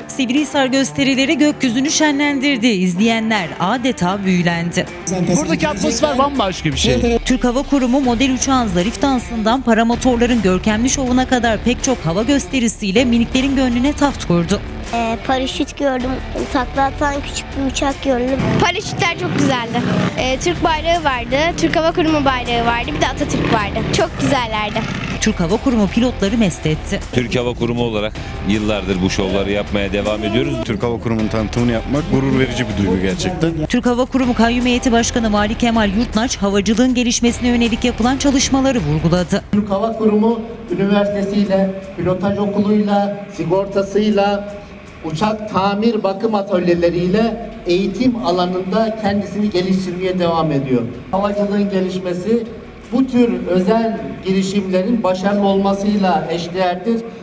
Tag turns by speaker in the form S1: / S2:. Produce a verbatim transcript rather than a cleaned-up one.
S1: Sivrihisar gösterileri gökyüzünü şenlendirdi. İzleyenler adeta büyülendi.
S2: Buradaki atmosfer bambaşka bir şey.
S1: Türk Hava Kurumu model uçağın zarif dansından paramotorların görkemli şovuna kadar pek çok hava gösterisiyle miniklerin gönlüne taht kurdu.
S3: Ee, paraşüt gördüm, takla atan küçük bir uçak gördüm.
S4: Paraşütler çok güzeldi. Ee, Türk bayrağı vardı, Türk Hava Kurumu bayrağı vardı, bir de Atatürk vardı. Çok güzellerdi.
S1: Türk Hava Kurumu pilotları mest etti.
S5: Türk Hava Kurumu olarak yıllardır bu şovları yapmaya devam ediyoruz.
S6: Türk Hava Kurumu'nun tanıtımını yapmak gurur verici bir duygu gerçekten.
S1: Türk Hava Kurumu Kayyum Heyeti Başkanı Vali Kemal Yurtnaç, havacılığın gelişmesine yönelik yapılan çalışmaları vurguladı.
S7: Türk Hava Kurumu üniversitesiyle, pilotaj okuluyla, sigortasıyla, uçak tamir bakım atölyeleriyle eğitim alanında kendisini geliştirmeye devam ediyor. Havacılığın gelişmesi bu tür özel girişimlerin başarılı olmasıyla eşdeğerdir.